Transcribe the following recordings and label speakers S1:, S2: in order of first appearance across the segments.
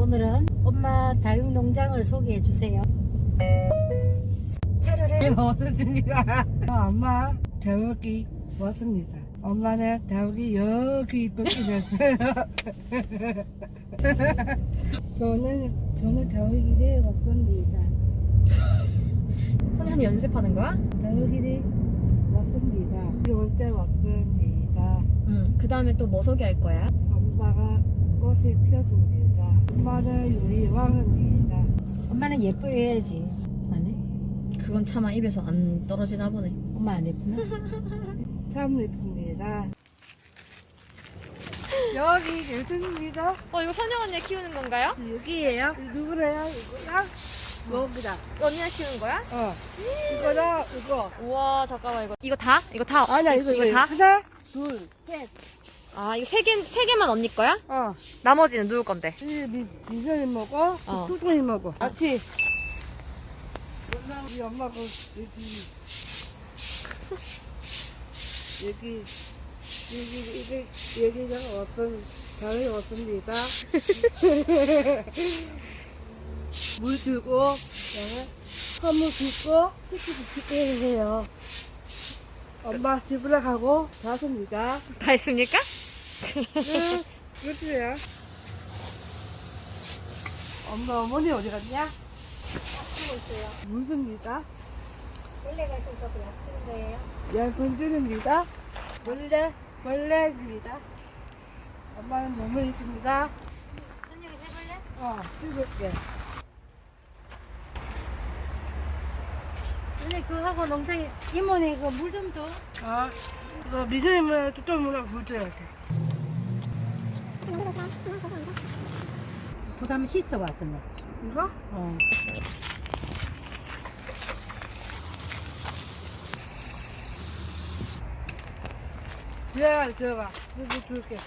S1: 오늘은 엄마 다육농장을 소개해 주세요. 차로를
S2: 왔습니다. 엄마 다육이 왔습니다. 엄마는 다육이 여기 이쁘게 됐어요. 저는 다육이를 왔습니다.
S3: 선현이 연습하는 거야?
S2: 다육이를 왔습니다. 언제 왔습니다.
S3: 응. 그 다음에 또 뭐 소개할 거야?
S2: 엄마가 꽃이 피었습니다. 엄마는 우리 왕입니다.
S1: 엄마는 예뻐해야지. 안 해?
S3: 그건 차마 입에서 안 떨어지나 보네.
S1: 엄마 안 예쁘나?
S2: 참 예쁩니다. 여기 예쁜입니다.
S3: 이거 선영 언니가 키우는 건가요?
S2: 여기에요? 누구래요? 이거랑 여기다.
S3: 언니가 키우는 거야?
S2: 이거랑 이거.
S3: 우와, 잠깐만, 이거 다? 이거 다?
S2: 아니야 이거
S3: 다?
S2: 하나, 둘, 셋.
S3: 아, 이거 세 개만 언니 거야?
S2: 어.
S3: 나머지는 누구 건데?
S2: 미선이 먹어. 수준이 먹어. 같이. 우리 엄마가 여기가 어떤 다리 왔습니다. 물 주고 선물 주고 티켓 붙이게 해요. 엄마 집으로 가고 가십니다.
S3: 다 했습니까?
S2: 그렇지요. 엄마 어머니 어디 갔냐?
S1: 키우고 있어요.
S2: 물습니다.
S1: 원래가 있어서 그냥 키우는 거예요.
S2: 양건주입니다. 벌레입니다. 엄마는 몸을 있습니다.
S1: 선영이 해볼래?
S2: 즐겁게.
S1: 근데 그거 하고 농장에 이모네 그 물 좀 줘.
S2: 이거 미선이면 뚜껑 문화 불줘야 돼.
S1: 부담 씻어 왔어 너.
S2: 이거? 들어봐. 이거 줄게.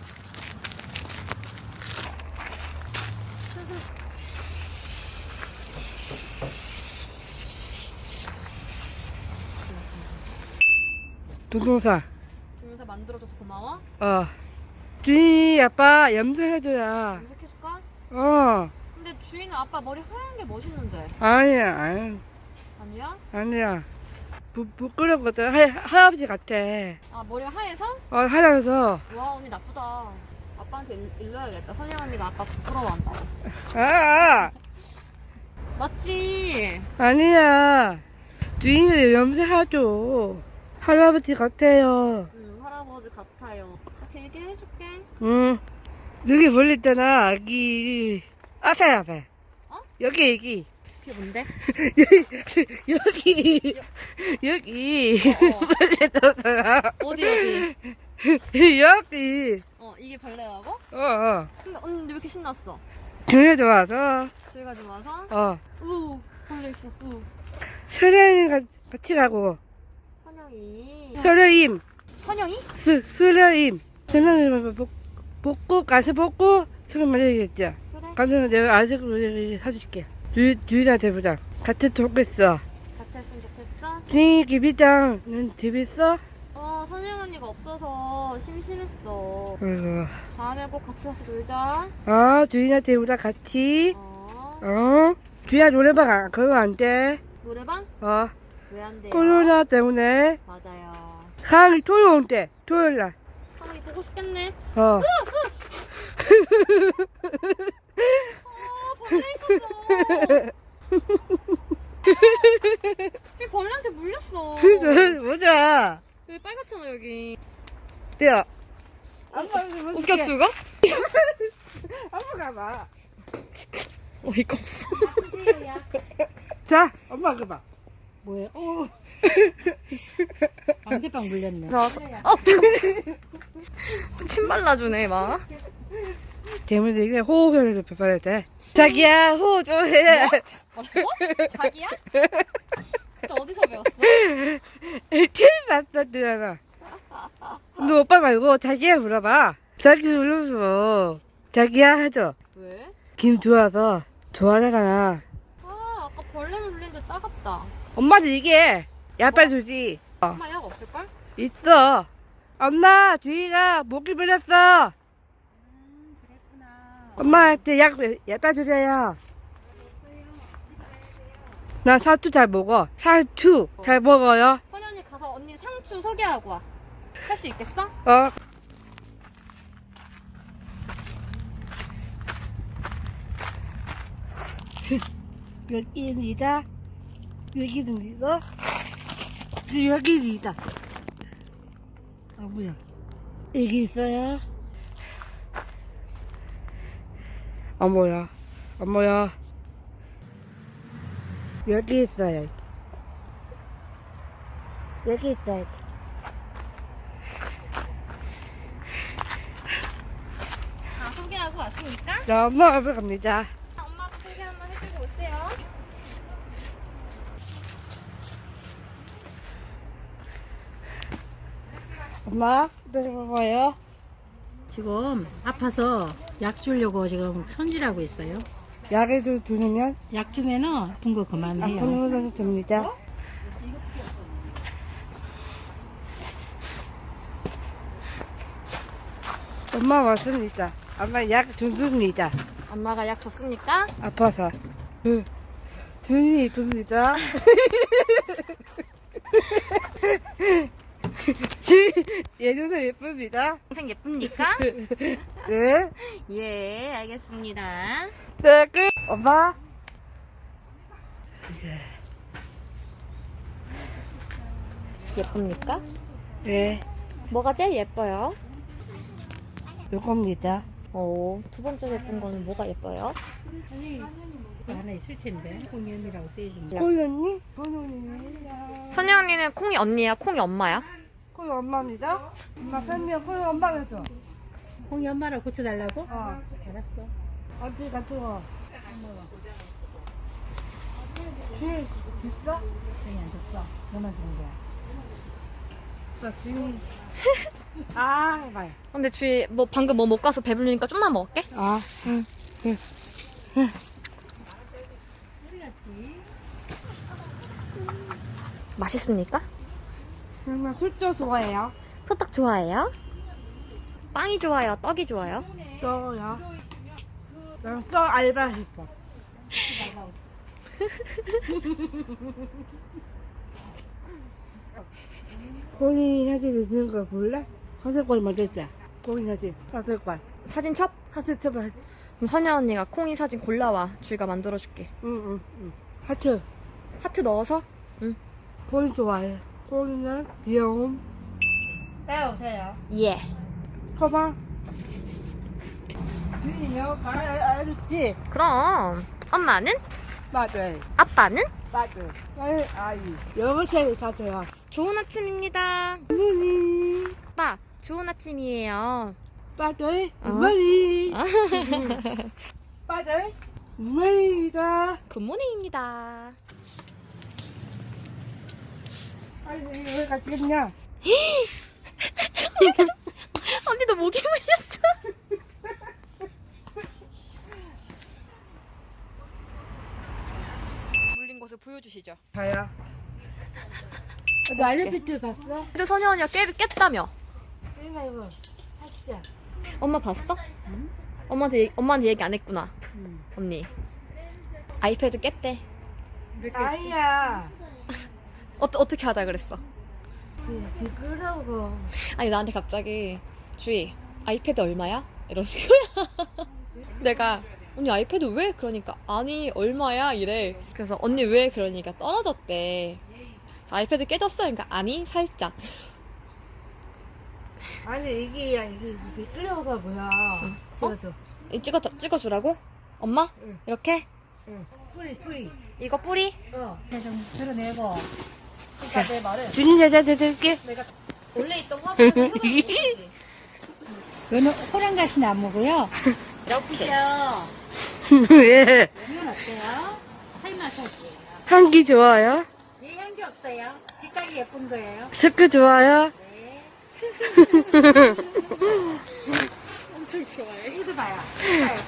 S2: 동동사.
S3: 동영상 만들어줘서 고마워.
S2: 주인이 아빠 염색해줘야.
S3: 염색해줄까? 근데 주인은 아빠 머리 하얀 게 멋있는데.
S2: 아니야.
S3: 아니야?
S2: 부끄럽거든. 할아버지 같아.
S3: 아, 머리가 하얘서?
S2: 하면서.
S3: 와, 언니 나쁘다. 아빠한테 일러야겠다. 선영 언니가 아빠 부끄러워한다고. 맞지?
S2: 아니야. 주인이 염색하죠. 할아버지 같아요.
S3: 응, 할아버지 같아요. 이렇게 얘기해줄게.
S2: 여기 벌레 있잖아, 아기. 앞에. 여기.
S3: 그게 뭔데?
S2: 여기.
S3: 어.
S2: 벌레 넣었잖아.
S3: 어디?
S2: 여기.
S3: 이게 벌레라고? 근데 언니 왜 이렇게 신났어?
S2: 중에 좋아서.
S3: 저희가 좀 와서? 벌레 있어,
S2: 서련이 같이 가고.
S3: 선영이.
S2: 서련임.
S3: 선영이?
S2: 서련임 먹고, 가서 먹고, 수건 말해야겠죠.
S3: 그래.
S2: 가서 내가 아직으로 사줄게. 주인한테 보자. 같이 좋겠어.
S3: 같이 했으면 좋겠어?
S2: 주인이 기비장은 집 있어?
S3: 선영 언니가 없어서 심심했어.
S2: 아이고.
S3: 다음에 꼭 같이 가서 놀자.
S2: 주인한테 우리 같이. 주인아 노래방 그거 안 돼.
S3: 노래방? 왜 안 돼요?
S2: 코로나 때문에.
S3: 맞아요.
S2: 상이 토요일 온대. 토요일날.
S3: 선영이 보고 싶겠네. 벌레 있었어. 쟤 벌레한테 물렸어.
S2: 보자.
S3: 여기 빨갛잖아, 여기.
S2: 떼어.
S3: 웃겨 죽어?
S2: 한번 가봐.
S3: 어이가 없어.
S2: 자, 엄마 가봐.
S1: 뭐야? 방대빵 물렸네.
S3: 침 발라주네, 막.
S2: 재물도 이게 호흡을 배워야 돼. 자기야, 호흡 좀 해.
S3: 뭐라고? 자기야? 너 어디서 배웠어?
S2: TV 봤었잖아. 너 오빠 말고 자기야 물어봐. 자기 물어서 자기야 하죠.
S3: 왜?
S2: 김 좋아서 좋아하잖아.
S3: 아까 벌레를 물렸는데 따갑다.
S2: 엄마도 이게 약발 주지.
S3: 엄마 약 없을걸?
S2: 있어. 엄마 주희가 모기 물렸어.
S1: 그랬구나.
S2: 엄마한테 약 따주세요. 나 사투 잘 먹어. 사투 잘 먹어요.
S3: 선희 언니 가서 언니 상추 소개하고 와. 할 수 있겠어?
S2: 어. 여기입니다. 여기입니다. 여기입니다. 아 뭐야? 여기 있어요. 아 뭐야? 아 뭐야? 여기 있어요. 여기 있어요.
S3: 소개하고 왔으니까
S2: 자, 엄마 앞에 갑니다.
S3: 엄마도 소개 한번 해주고 오세요.
S2: 엄마, 내려봐봐요.
S1: 지금 아파서 약 주려고 지금 손질하고 있어요.
S2: 약을 좀 두르면
S1: 약 주면은 아픈 거 그만해요.
S2: 아픈 거는 줍니다. 엄마 왔습니다. 엄마 약 줬습니다.
S3: 엄마가 약 줬습니까?
S2: 아파서. 준이 이쁩니다. 얘도 예쁩니다.
S3: 동생 예쁩니까?
S2: 네.
S3: 예, 알겠습니다.
S2: 네, 끝. 엄마.
S3: 예쁩니까?
S2: 네.
S3: 뭐가 제일 예뻐요?
S2: 요겁니다.
S3: 두 번째 예쁜 거는 뭐가 예뻐요?
S1: 하나 있을 텐데 공연이라고 쓰이십니다.
S2: 꼬연이? 꼬연이.
S3: 선희 언니는 콩이 언니야, 콩이 엄마야?
S2: 꼬연 엄마입니다. 엄마 설명 꼬연 엄마가 줘.
S1: 홍이 엄마랑 고쳐달라고?
S2: 어.
S1: 알았어.
S2: 어디 같은 거. 줄 있어?
S1: 형이 안 줬어. 너만 주는 거야.
S2: 나 지금. 아, 해봐요.
S3: 근데 주희 뭐 방금 뭐 못 가서 배부르니까 좀만 먹을게.
S2: 아, 응.
S3: 맛있습니까?
S2: 정말 술도 좋아해요.
S3: 소떡 좋아해요? 빵이 좋아요? 떡이 좋아요?
S2: 떠요. 난 써 알바 싶어. 고니 사진 넣는 거 볼래? 사슬관 먼저 있자. 고니 사진. 사슬관.
S3: 사진 첩?
S2: 사슬 쳐봐.
S3: 그럼 선희 언니가 콩이 사진 골라와. 주희가 만들어줄게.
S2: 응. 하트.
S3: 하트 넣어서? 응.
S2: 고니 좋아해. 고니는 귀여움.
S1: 빼오세요.
S3: 예.
S2: 커봐. 주인이요? 알았지?
S3: 그럼 엄마는?
S2: 맞아요.
S3: 아빠는?
S2: 맞아요. 아이. 여보세요, 자줘요.
S3: 좋은 아침입니다.
S2: 어머니.
S3: 아빠, 좋은 아침이에요.
S2: 빠져요.
S3: 어?
S2: 어머니. 빠져요. 어머니입니다.
S3: 굿모닝입니다.
S2: 아니, 왜 갔겠냐?
S3: 언니 너 목에 물렸어. 물린 것을 보여주시죠.
S2: 가야. 너 알레피트 봤어?
S3: 근데 선희 언니가 깼다며.
S2: 이거 이거. 하자.
S3: 엄마 봤어?
S1: 응?
S3: 엄마한테 얘기 안 했구나.
S1: 응.
S3: 언니. 아이패드 깼대.
S2: 아니야.
S3: 어떻게 하다 그랬어?
S2: 미끄러워서.
S3: 아니 나한테 갑자기 주희 아이패드 얼마야? 이러는 거야. 내가 언니 아이패드 왜? 그러니까 아니 얼마야? 이래. 그래서 언니 왜? 그러니까 떨어졌대. 아이패드 깨졌어? 그러니까 아니 살짝.
S2: 아니 이게 미끄러워서 뭐야. 찍어줘.
S3: 찍어주라고? 엄마?
S2: 응.
S3: 이렇게?
S2: 응. 뿌리.
S3: 이거 뿌리?
S2: 어.
S1: 좀 드러내고.
S3: 그러니까 내 말은
S2: 준이 여자한테 드릴게.
S3: 내가 원래 있던 화분에 흙을 묻었지.
S1: 얘는 호랑가시는 안 먹어요.
S3: 이렇게.
S1: 그죠?
S2: 예.
S1: 이건 어때요? 살마사지예요.
S2: 향기 좋아요?
S1: 얘 향기 없어요. 빛깔이 예쁜 거예요.
S2: 스크 좋아요?
S1: 네.
S3: 엄청 좋아해.
S1: 이거 봐요. 이거 봐요,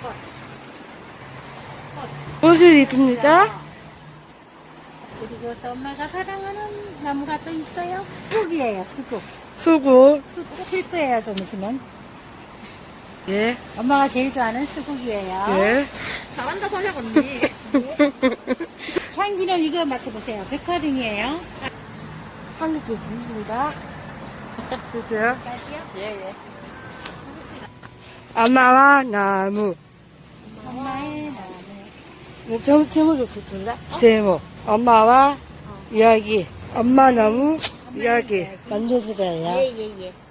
S1: 꽃.
S2: 옷을 입습니다.
S1: 그리고 또 엄마가 사랑하는 나무가 또 있어요. 쑥이에요, 쑥.
S2: 수고.
S1: 쑥 필 거예요, 좀 있으면.
S2: 예,
S1: 엄마가 제일 좋아하는 수국이에요.
S2: 예.
S3: 잘한다 선영 언니.
S1: 향기는 이거 맡아보세요. 백화등이에요.
S2: 한 개씩 드립니다. 주세요.
S3: 예예.
S2: 엄마와 나무.
S1: 엄마의 나무.
S2: 제목이 좋던데? 제목. 엄마와 이야기. 엄마 나무 이야기. 만져주세요.
S1: 예예예.